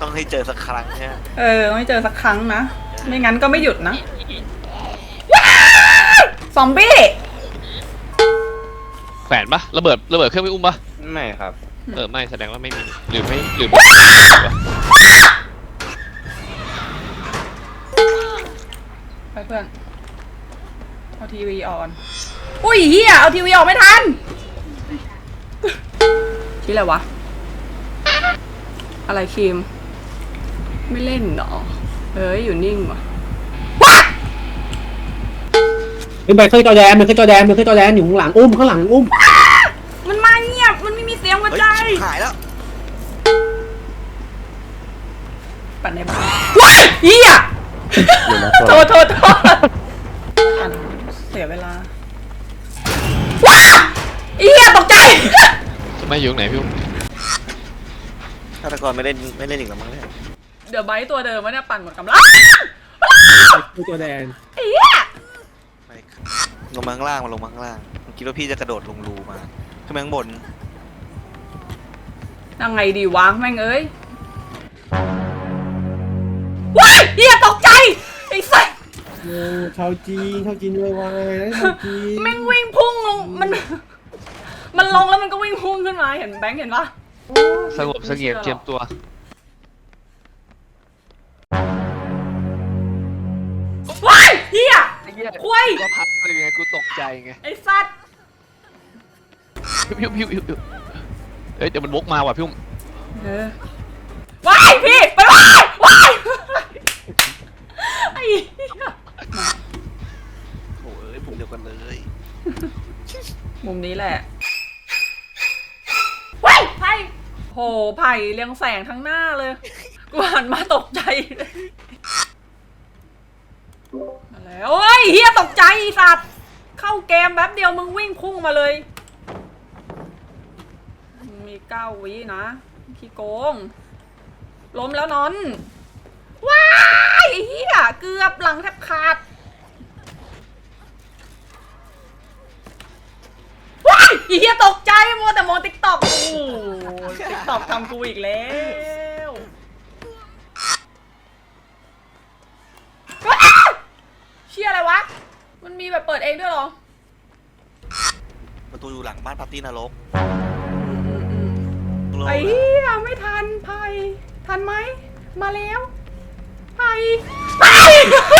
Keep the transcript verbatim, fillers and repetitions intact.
ต้องให้เจอสักครั้งใช่ไหมเออไม่เจอสักครั้งนะไม่งั้นก็ไม่หยุดนะซอมบี้แขวนปะระเบิดระเบิดเครื่องไม่อุ้มปะไม่ครับเออไม่แสดงว่าไม่มีหรือไม่หรือไม่ไปเพื่อนเอาทีวีออนอุ้ยเฮียเอาทีวีออกไม่ทันชื่ออะไรวะอะไรครีมไม่เล่นหรอเอ้ยอยู่นิ่งวะเป็นไปขึ้นจอแดนมันขึ้นจอแดนมันขึ้นจอแดนอยู่ข้างหลังอุ้มข้างหลังอุ้มมันมาเงียบมันไม่มีเสียงหัวใจหายแล้วปั่นในบ้านว้ายเฮียโทษโทษโทษเสียเวลาว้าเฮียตกใจทำไมอยู่ไหนพี่อุ้มฆาตกรไม่เล่นไม่เล่นอีกแล้วมั้งเนี่ยเดี๋ยวไบต์ตัวเดิมวะเนี่ยปั่นหมดกำลังขึ้นจอแดนเฮียลงมาข้างล่างมาลงมาข้างล่างคิดว่าพี่จะกระโดดลงรูมาขึ้นมาข้างบนยังไงดีวะแม่งเอ้ยว้ายเฮียตกใจไอ้สัสชาวจีนชาวจีนวายวายชาวจีนแม่งวิ่งพุ่งลงมันมันลงแล้วมันก็วิ่งพุ่งขึ้นมาเห็นแบงค์เห็นปะสงบเสงี่ยมเจียมตัวว้ายเฮียคุยก็พัดเลยไงกูตกใจไงไอ้สัสพิ้วพิ้วพิ้วพิ้วเฮ้ยเดี๋ยวมันวกมาว่ะพี่อุ้มเออว้ายพี่ไปว้ายว้ายไอ้โอ้ยผมเดียวกันเลยมุมนี้แหละว้ายไผ่โหไผ่เรียงแสงทั้งหน้าเลยกูหันมาตกใจเลยมาแล้วเฮ้ยเฮียตกใจสัตว์เข้าเกมแป๊บเดียวมึงวิ่งพุ่งมาเลยมีเก้าวินะขี้โกงล้มแล้วนอนว้ายเฮียเกือบหลังแทบขาดว้ายเฮียตกใจมัวแต่มองติ๊กต็อกโอ้ติ๊กต็อกทำกูอีกแล้วเชี่ยอะไรวะมันมีแบบเปิดเองด้วยเหรอประตูอยู่หลังบ้านปาร์ตี้นรกไอ้เหี้ยไม่ทันไผ่ทันไหมมาแล้วไผ่ไผ่